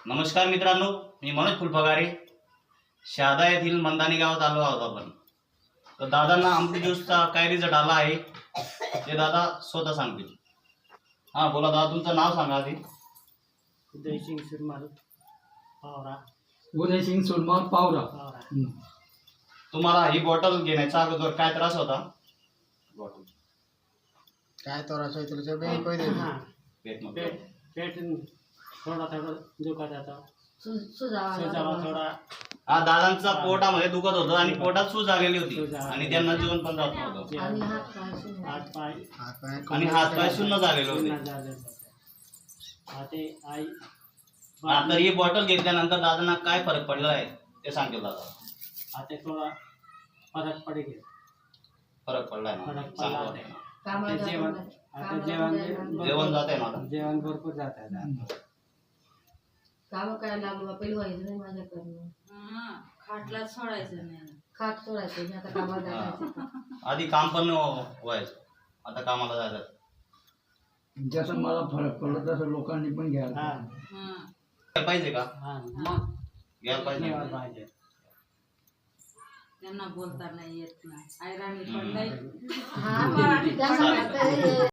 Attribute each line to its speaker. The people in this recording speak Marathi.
Speaker 1: नमस्कार मित्रांनो, मी मनोज फुलपगारे शहादा येथील मंदानी गावात आलो आहोत आपण. तर दादांना आमटी ज्यूसचा काय रिझल्ट आला आहे ते दादा स्वतः सांगतील. हा बोला दादा, तुमचं नाव सांगा आधी.
Speaker 2: उदयसिंग सुरमाल पावरा.
Speaker 3: उदयसिंग सुरमाल पावरा.
Speaker 1: तुम्हाला ही बॉटल घेण्याच्या अगोदर काय त्रास होता? बॉटल
Speaker 4: काय त्रास होईल तुला बँक पहिले
Speaker 1: पेटमध्ये.
Speaker 2: पेट थोडा दुखत होता.
Speaker 5: सुजावा
Speaker 2: थोडा.
Speaker 1: हा दादांचा पोटामध्ये दुखत होतं आणि पोटात सूज आलेली होती
Speaker 2: सूज आलेली.
Speaker 1: आणि त्यांना जेवण पण जात नव्हतं
Speaker 5: आणि हात पाय
Speaker 1: आणि हातपाय शून्य झालेले होते.
Speaker 2: आई
Speaker 1: तर ही बॉटल घेतल्यानंतर दादांना काय फरक पडला आहे ते सांगतील दादा.
Speaker 2: आता थोडा फरक पडेल.
Speaker 1: फरक पडलाय ना?
Speaker 2: फरक
Speaker 1: चांगलं
Speaker 2: पडला.
Speaker 1: वाटतंय ना?
Speaker 2: आता
Speaker 1: जेवण जात आहे ना आता?
Speaker 2: जेवण भरपूर जात आहे.
Speaker 5: काम करायला लागलो पहिलं व्हायचं नाही माझ्याकडनं.
Speaker 6: खाटला सोडायचं नाही.
Speaker 5: खाट सोडायचं मी आता कामाला जायचं.
Speaker 1: आधी काम पण व्हायचं, आता कामाला जायचं.
Speaker 3: जसं मला फरक पडला तसं लोकांनी पण घ्यायला
Speaker 2: हा.
Speaker 1: घ्यायला पाहिजे का?
Speaker 2: मग
Speaker 1: घ्यायला पाहिजे.
Speaker 2: पाहिजे.
Speaker 6: त्यांना बोलता नाही येत नाही. ऐराणी पण नाही.
Speaker 5: हा, त्यांना वाटतं